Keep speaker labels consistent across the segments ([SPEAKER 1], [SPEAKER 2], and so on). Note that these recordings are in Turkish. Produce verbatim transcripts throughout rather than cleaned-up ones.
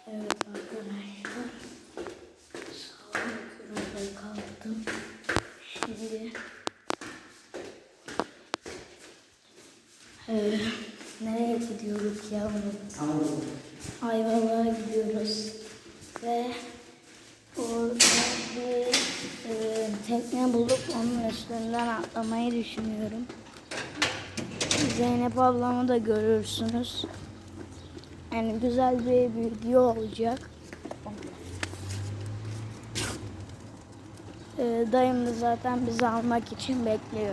[SPEAKER 1] Evet arkadaşlar. Sağlıklı kalktım. Şimdi ee, nereye gidiyoruz ya? Ayvalık'a gidiyoruz. Ve orada bir e, tekne bulup onun üstünden atlamayı düşünüyorum. Zeynep ablamı da görürsünüz. Yani güzel bir video olacak. Ee, dayım da zaten bizi almak için bekliyor.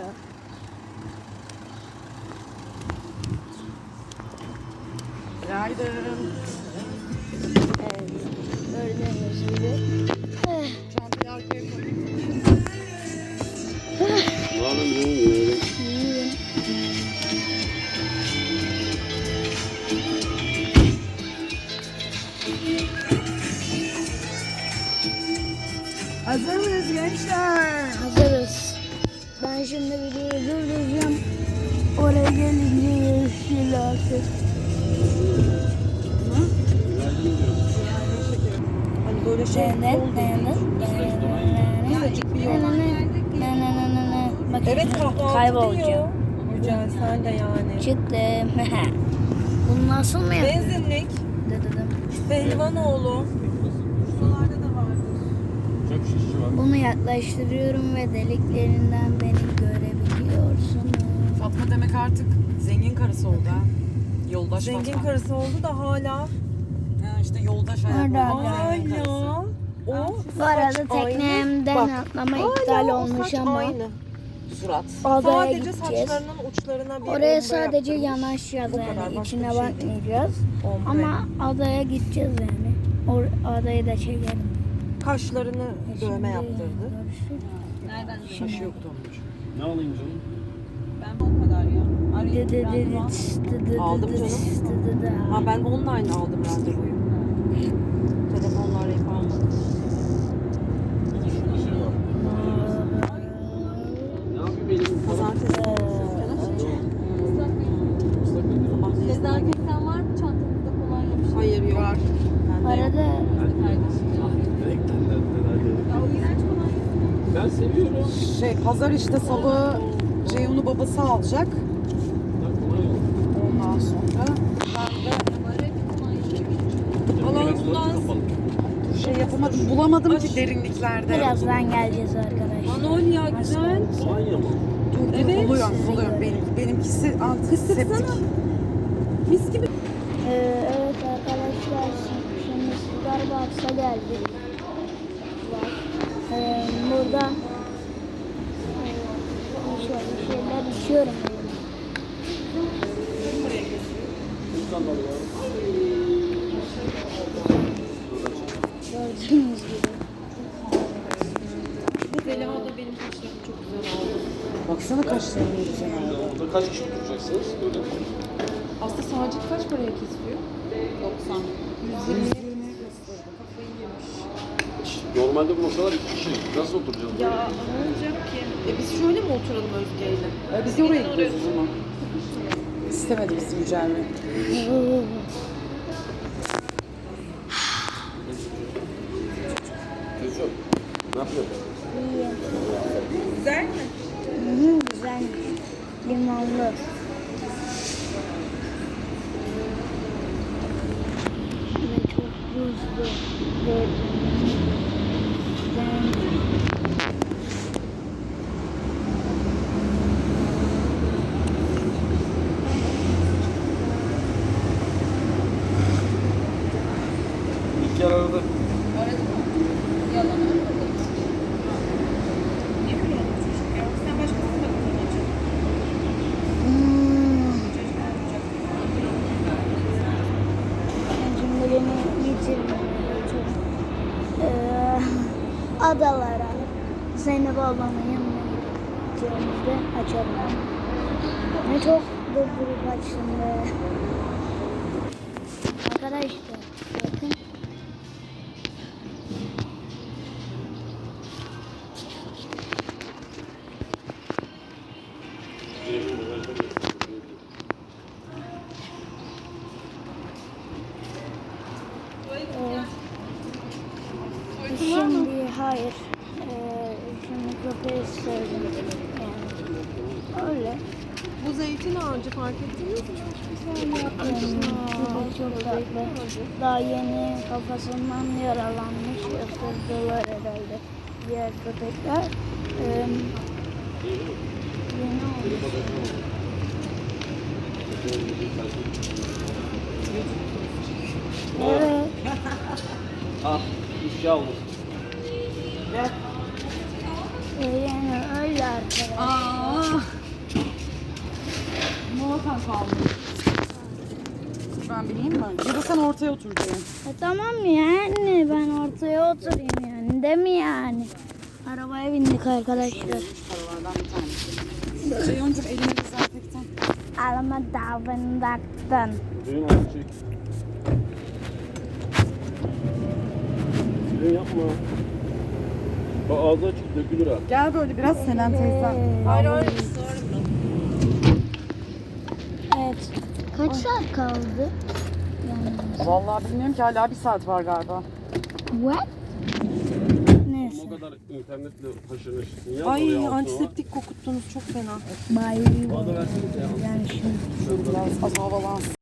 [SPEAKER 2] Günaydın.
[SPEAKER 1] Evet, gördüğünüz gibi. Eh.
[SPEAKER 2] Çantayı arkaya koy.
[SPEAKER 1] İyiyim.
[SPEAKER 2] Hazır mıyız gençler?
[SPEAKER 1] Hazırız. Ben şimdi videoyu durduracağım. Oraya gelince görüşürüz artık.
[SPEAKER 2] Hani böyle şey
[SPEAKER 1] Ne ne
[SPEAKER 2] oldu.
[SPEAKER 1] ne ne Bak
[SPEAKER 2] Evet
[SPEAKER 1] şimdi
[SPEAKER 2] kahvaltı
[SPEAKER 1] kaybolacağım.
[SPEAKER 2] diyor. Yücel sen de yani.
[SPEAKER 1] Çıktım. Bunu nasıl mı yaptın?
[SPEAKER 2] Benzinlik.
[SPEAKER 1] Dedim.
[SPEAKER 2] Pehlivanoğlu. Buralarda da vardır.
[SPEAKER 3] Çok şişçi var.
[SPEAKER 1] Bunu yaklaştırıyorum ve deliklerinden beni görebiliyorsun.
[SPEAKER 4] Fatma demek artık zengin karısı oldu ha. Yoldaş
[SPEAKER 2] Zengin
[SPEAKER 4] Fatma.
[SPEAKER 2] karısı oldu da hala.
[SPEAKER 4] Ha, işte yoldaş hayat.
[SPEAKER 1] Orada
[SPEAKER 4] oldu, zengin karısı.
[SPEAKER 2] Hala. O
[SPEAKER 1] Bu arada
[SPEAKER 2] saç
[SPEAKER 1] teknemden
[SPEAKER 2] aynı.
[SPEAKER 1] atlama
[SPEAKER 2] Hala
[SPEAKER 1] iptal
[SPEAKER 2] o
[SPEAKER 1] olmuş
[SPEAKER 2] saç
[SPEAKER 1] ama
[SPEAKER 2] aynı.
[SPEAKER 4] Surat.
[SPEAKER 1] adaya
[SPEAKER 2] Sadece
[SPEAKER 1] gideceğiz.
[SPEAKER 2] saçlarının uçlarına bir
[SPEAKER 1] Oraya
[SPEAKER 2] ombre
[SPEAKER 1] sadece
[SPEAKER 2] yaptırmış.
[SPEAKER 1] yanaşacağız
[SPEAKER 2] Bu kadar,
[SPEAKER 1] yani
[SPEAKER 2] başka
[SPEAKER 1] içine
[SPEAKER 2] bir şey değil.
[SPEAKER 1] bakmayacağız.
[SPEAKER 2] Ombre.
[SPEAKER 1] Ama adaya gideceğiz yani. Or adayı da çekelim.
[SPEAKER 2] Kaşlarını
[SPEAKER 1] E
[SPEAKER 2] dövme
[SPEAKER 1] şimdi
[SPEAKER 2] yaptırdı.
[SPEAKER 1] görüşürüz.
[SPEAKER 4] Şaşı yoktu onun için.
[SPEAKER 3] Ne alayım canım?
[SPEAKER 1] Dı dı dı dı tıs, dı dı dı
[SPEAKER 2] Aldım
[SPEAKER 1] dı
[SPEAKER 2] canım.
[SPEAKER 1] tıs, dı dı dı.
[SPEAKER 2] Ha ben online aldım randevuyu. Telefonla arayıp almadım.
[SPEAKER 3] Bir şey var. Ne yapayım elim?
[SPEAKER 2] Pazartesi.
[SPEAKER 5] Dezenfektan var mı çantanızda kolonya bir şey?
[SPEAKER 2] Hayır yok. Var.
[SPEAKER 1] Bu arada
[SPEAKER 3] Renkler
[SPEAKER 5] Ya o iğrenç kolonya.
[SPEAKER 3] Ben seviyorum.
[SPEAKER 4] Şey pazar işte salı Ceyhun'u babası alacak.
[SPEAKER 3] Ben kolay olur.
[SPEAKER 4] Ondan sonra
[SPEAKER 5] Numaraya bir kolonya.
[SPEAKER 2] Alan kullan.
[SPEAKER 4] şey yapamadım. Bulamadım ki derinliklerde.
[SPEAKER 1] birazdan geleceğiz arkadaşlar.
[SPEAKER 2] Manolya güzel.
[SPEAKER 3] Kolay mı?
[SPEAKER 4] Dur, dur,
[SPEAKER 2] Evet.
[SPEAKER 4] buluyorum, buluyorum. Benim, benimkisi antiseptik.
[SPEAKER 2] Mis gibi.
[SPEAKER 1] Ee, evet arkadaşlar şimdi Starbucks'a geldik. Bak, Ee, burada e, şöyle bir şeyler içiyorum. Gördüğünüz gibi.
[SPEAKER 2] Zeliha da benim kaşlarım çok güzel oldu.
[SPEAKER 4] Baksana kaşlarını güzel oldu.
[SPEAKER 3] Orada kaç kişi oturacaksınız? Böyle.
[SPEAKER 2] Aslında Sacit kaç paraya kesiyor?
[SPEAKER 5] doksan.
[SPEAKER 2] yüz yirmi. Kafayı yemiş.
[SPEAKER 3] Normalde bu masalar iki kişi. Nasıl oturacağız?
[SPEAKER 2] Ya ne olacak ki? E biz şöyle mi oturalım Özge'yle?
[SPEAKER 4] E, biz de oraya gidiyoruz o zaman. İstemedi bizi Yücel'le.
[SPEAKER 3] Gözüm. Ne yapıyorsun?
[SPEAKER 1] İyi.
[SPEAKER 2] Güzel mi?
[SPEAKER 1] Hı, güzel. Limonlu. Ve çok buzlu. Gördüğünüz gibi. Güzel.
[SPEAKER 3] İlk yer aradı.
[SPEAKER 5] Yalan.
[SPEAKER 2] Ne kadar olmuş çocuk ya? Sen başkasına da kullanacaksın.
[SPEAKER 1] Hmm. Şimdi beni getirmeye çok ee, adalara Zeynep ablamın yanına gideceğimizde açalım. Ne çok durdurup açtım be. Arkadaşlar bakın. Ee, hayır. Ee, şimdi köpeği sevdim. Yani öyle.
[SPEAKER 2] Bu zeytin ağacı fark ettiniz mi? Çok güzel yapmışlar.
[SPEAKER 1] Köpek çok tatlı. Daha yeni kafasından yaralanmış. Isırdılar herhalde diğer köpekler. Ee, yeni olmuş. Evet.
[SPEAKER 3] Ah, ifşa olmuş.
[SPEAKER 1] Ee, yani öyle arkadaşlar.
[SPEAKER 2] Aa. Muhakkak kalmış.
[SPEAKER 4] Ben bileyim mi? Ya da sen ortaya otur diye.
[SPEAKER 1] E tamam yani ben ortaya oturayım yani değil mi yani? Arabaya bindik arkadaşlar.
[SPEAKER 4] Paralardan bir tanesi. Ceyhun'cum elini dezenfektan.
[SPEAKER 1] Arama davrandaktın.
[SPEAKER 3] Düğün altı çek. Düğün yapma. Bak ağzı açık dökülür ha.
[SPEAKER 4] Gel böyle biraz Selen teyzen.
[SPEAKER 2] Hayır hayır.
[SPEAKER 1] Evet. Kaç saat kaldı? Yani
[SPEAKER 4] Vallahi bilmiyorum ki hala bir saat var galiba.
[SPEAKER 1] what?
[SPEAKER 3] O
[SPEAKER 1] Neyse.
[SPEAKER 3] kadar internetle haşır neşirsin. Yaz oraya
[SPEAKER 2] Ay
[SPEAKER 3] altına.
[SPEAKER 2] antiseptik kokuttunuz çok fena.
[SPEAKER 1] Bye.
[SPEAKER 3] Bana da versenize ya.
[SPEAKER 1] Yani şimdi.
[SPEAKER 4] Şöyle biraz az havalansın.